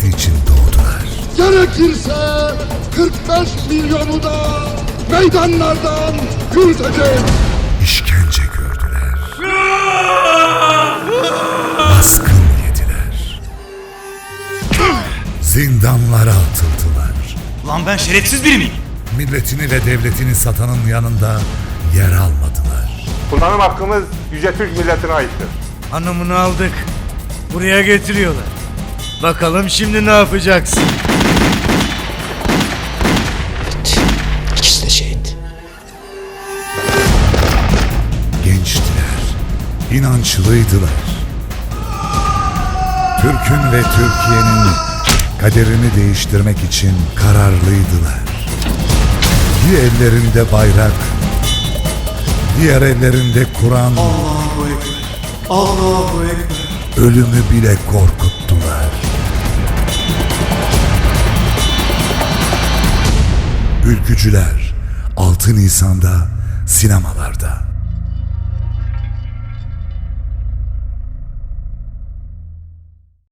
hizmeti için doğdular. Gerekirse 45 milyonu da meydanlardan yürüteceğiz. İşkence gördüler. Baskın yediler. Zindanlara atıldılar. Lan ben şerefsiz biri miyim? Milletini ve devletini satanın yanında yer almadılar. Kullanım hakkımız Yüce Türk milletine aittir. Hanımını aldık. Buraya getiriyorlar. Bakalım şimdi ne yapacaksın? İkisi de şehit. Gençtiler, inançlıydılar. Türk'ün ve Türkiye'nin kaderini değiştirmek için kararlıydılar. Bir ellerinde bayrak, diğer ellerinde Kur'an. Allahu Ekber. Allahu Ekber. Ölümü bile korkuttular. Ülkücüler 6 Nisan'da sinemalarda.